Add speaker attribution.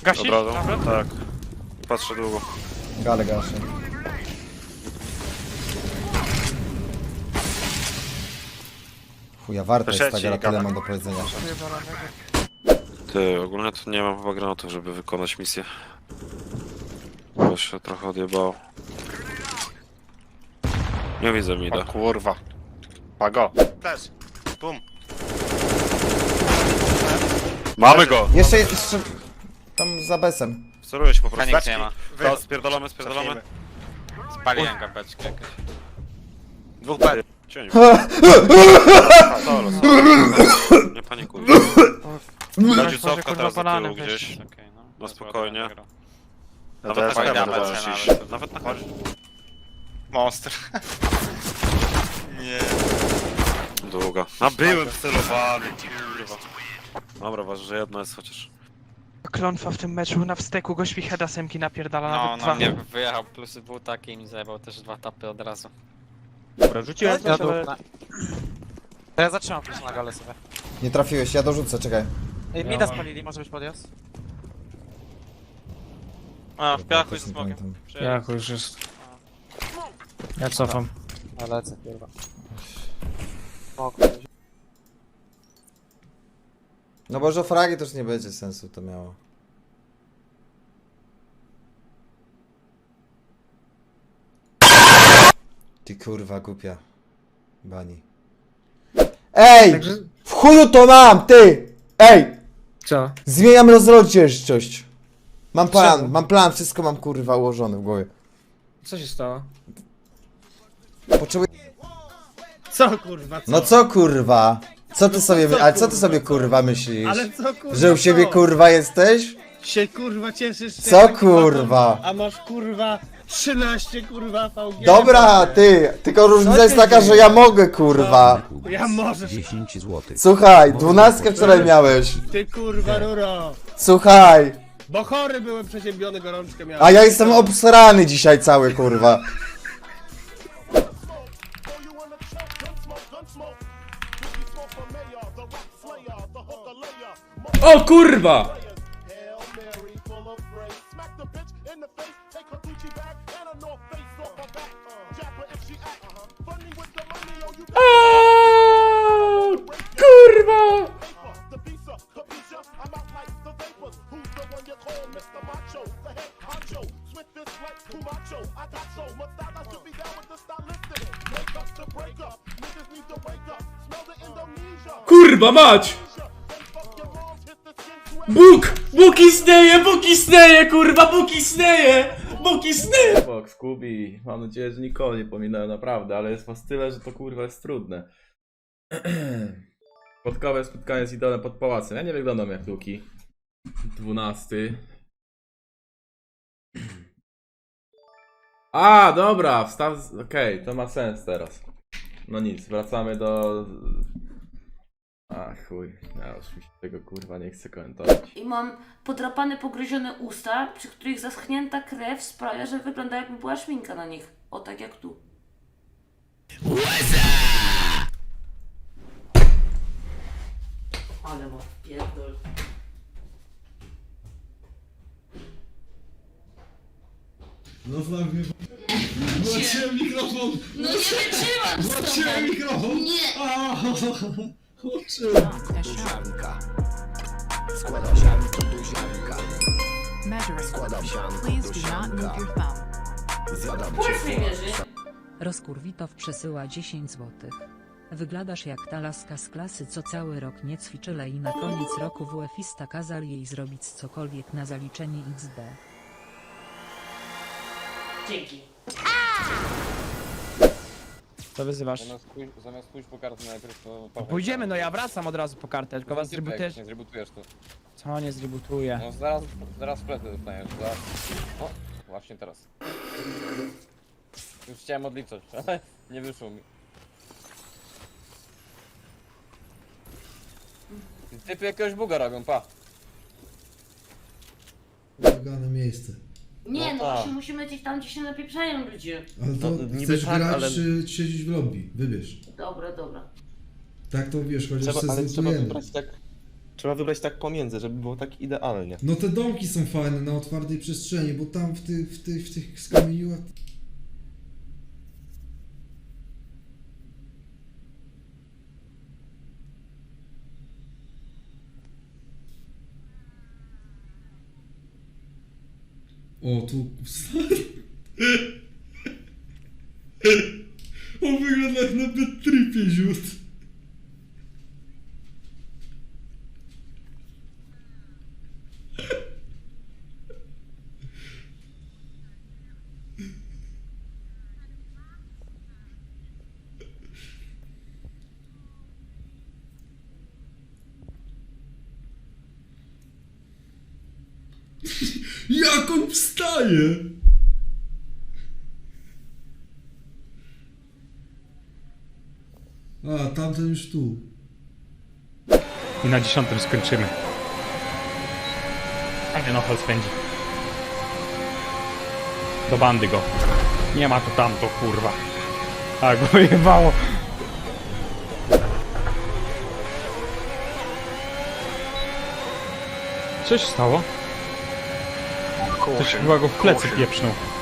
Speaker 1: Gasisz?
Speaker 2: Od razu?
Speaker 1: Nawet?
Speaker 2: Tak. Patrzę długo.
Speaker 3: Gale gaszę. Chuja, warto jest ta
Speaker 2: Sieci,
Speaker 3: gra, tyle
Speaker 2: gala.
Speaker 3: mam do powiedzenia.
Speaker 2: Ty, ogólnie to nie mam chyba granatów, żeby wykonać misję. Bo się trochę odjebało. Nie widzę
Speaker 4: O
Speaker 2: mida.
Speaker 4: kurwa. Pago. Też. Bum.
Speaker 2: Mamy go!
Speaker 3: Jeszcze tam za besem.
Speaker 2: Steruję się po prostu.
Speaker 1: Feniks nie ma.
Speaker 2: To spierdolamy.
Speaker 4: Cofnijmy.
Speaker 1: Spaliłem gabeczkę jakieś.
Speaker 4: Dwóch B.
Speaker 2: Cień. Solo. Nie panikuj. Będzie cofka teraz do tyłu gdzieś. Na spokojnie.
Speaker 4: No
Speaker 2: Nawet
Speaker 4: to
Speaker 2: na
Speaker 4: jest
Speaker 2: heaven
Speaker 4: B,
Speaker 2: możesz
Speaker 4: B,
Speaker 2: iść.
Speaker 4: nawet.
Speaker 2: Nawet na heaven.
Speaker 4: Monster. Nie.
Speaker 2: Długa. A byłem celowany, kurwa. Dobra, ważne, że jedno jest chociaż.
Speaker 1: Klątwa w tym meczu, na wsteku go świcheda semki napierdala,
Speaker 5: No,
Speaker 1: nawet
Speaker 5: na
Speaker 1: dwa.
Speaker 5: mnie wyjechał, plusy był taki i mi zajebał też 2 tapy od razu.
Speaker 1: Dobra, rzuciłem coś, ale...
Speaker 6: To ja zatrzymam plus na galę sobie.
Speaker 3: Nie trafiłeś, ja dorzucę, czekaj.
Speaker 6: Ej, mida spalili, może być podjazd?
Speaker 1: A, w piachu
Speaker 3: Też
Speaker 1: z
Speaker 3: nie
Speaker 1: smokiem.
Speaker 3: pamiętam.
Speaker 7: Jak już jest. Ja cofam.
Speaker 6: A lecę, kurwa.
Speaker 3: No bo że fragi też nie będzie sensu to miało. Ty kurwa głupia. Bani. Ej!
Speaker 7: Także...
Speaker 3: W chuju to mam, ty! Ej!
Speaker 7: Co?
Speaker 3: Zmieniam rozrodzieszczość. Mam plan,
Speaker 7: Czemu?
Speaker 3: mam plan, wszystko mam kurwa ułożone w głowie.
Speaker 7: Co się stało?
Speaker 3: Potrzebuję...
Speaker 8: Co kurwa, co?
Speaker 3: No co kurwa? Co ty
Speaker 8: No
Speaker 3: sobie,
Speaker 8: co,
Speaker 3: ale co ty
Speaker 8: kurwa,
Speaker 3: sobie
Speaker 8: co?
Speaker 3: kurwa myślisz?
Speaker 8: Ale co kurwa,
Speaker 3: Że u siebie
Speaker 8: co?
Speaker 3: kurwa jesteś?
Speaker 8: Się kurwa cieszysz? że
Speaker 3: Co,
Speaker 8: taki
Speaker 3: kurwa?
Speaker 8: baton, a masz kurwa 13 kurwa VG.
Speaker 3: Dobra, ty! Tylko różnica jest taka, że ja mogę kurwa.
Speaker 8: Ja możesz.
Speaker 9: 10 zł.
Speaker 3: Słuchaj, 12 wczoraj miałeś.
Speaker 8: Ty kurwa ruro.
Speaker 3: Słuchaj,
Speaker 8: Bo chory byłem przeziębiony, gorączkę miałem.
Speaker 3: a ja jestem obsrany dzisiaj cały kurwa.
Speaker 7: O kurwa! Aaaa, kurwa! Kurwa mać! Bóg istnieje, Bóg istnieje, kurwa, Bóg istnieje! Bóg istnieje!
Speaker 10: Box, Kubi, mam nadzieję, że nikogo nie pominąłem naprawdę, ale jest was tyle, że to kurwa jest trudne. Podkowe spotkanie z idolem pod pałacem. Ja nie wyglądam jak Luki. 12. A, dobra, wstaw. Okej, to ma sens teraz. No nic, wracamy do. A chuj, ja już mi się tego kurwa nie chcę komentować.
Speaker 11: I mam podrapane, pogryzione usta, przy których zaschnięta krew sprawia, że wygląda jakby była szminka na nich. O, tak jak tu. Ale ma pierdol.
Speaker 8: Włączyłem mikrofon!
Speaker 11: No nie wytrzymam z tobą!
Speaker 8: mikrofon!
Speaker 11: Nie!
Speaker 8: Włączyłem!
Speaker 9: Składam sianko do ziarnka.
Speaker 12: Measuring.
Speaker 9: Składam sianko
Speaker 12: Please
Speaker 9: do
Speaker 12: do not move
Speaker 9: ziarnka.
Speaker 12: your thumb.
Speaker 9: Zjadam
Speaker 11: Puls mi mierzy.
Speaker 12: Rozkurwitow przesyła 10 zł. Wyglądasz jak ta laska z klasy, co cały rok nie ćwiczyła i na koniec roku WF-ista kazał jej zrobić cokolwiek na zaliczenie XD.
Speaker 11: Dzięki.
Speaker 6: Co wyzywasz?
Speaker 5: Zamiast pójść po kartę najpierw to...
Speaker 6: Pójdziemy, no ja wracam od razu po kartę, tylko was zrebutujesz.
Speaker 5: Nie zrebutujesz to.
Speaker 6: Co nie zrebutuję?
Speaker 5: No zaraz wpletę dostaniesz, zaraz. O, właśnie teraz. Już chciałem odliczać, ale nie wyszło mi. Typy jakiegoś buga robią, pa.
Speaker 8: Ulegane miejsce.
Speaker 11: Nie, no
Speaker 5: tak.
Speaker 11: właśnie musimy gdzieś tam, gdzie się napieprzają ludzie.
Speaker 8: Ale to
Speaker 2: niby
Speaker 8: chcesz
Speaker 2: tak,
Speaker 8: grać
Speaker 2: ale-
Speaker 8: czy siedzieć w lobby? Wybierz.
Speaker 11: Dobra, dobra.
Speaker 8: Tak to wiesz, chociaż se zlutujemy.
Speaker 5: Trzeba wybrać tak pomiędzy, żeby było tak idealnie.
Speaker 8: No te domki są fajne na otwartej przestrzeni, bo tam w tych skamieniłach... O, tu... On wygląda jak na bad tripie ziut. Jak on wstaje? A, tamten już tu.
Speaker 1: I na 10 skończymy. A nie, no, hol spędzi. Do bandy go. Nie ma tu tamto, kurwa. A go jebało. Co się stało? Ktoś chyba go w plecy pieprznął.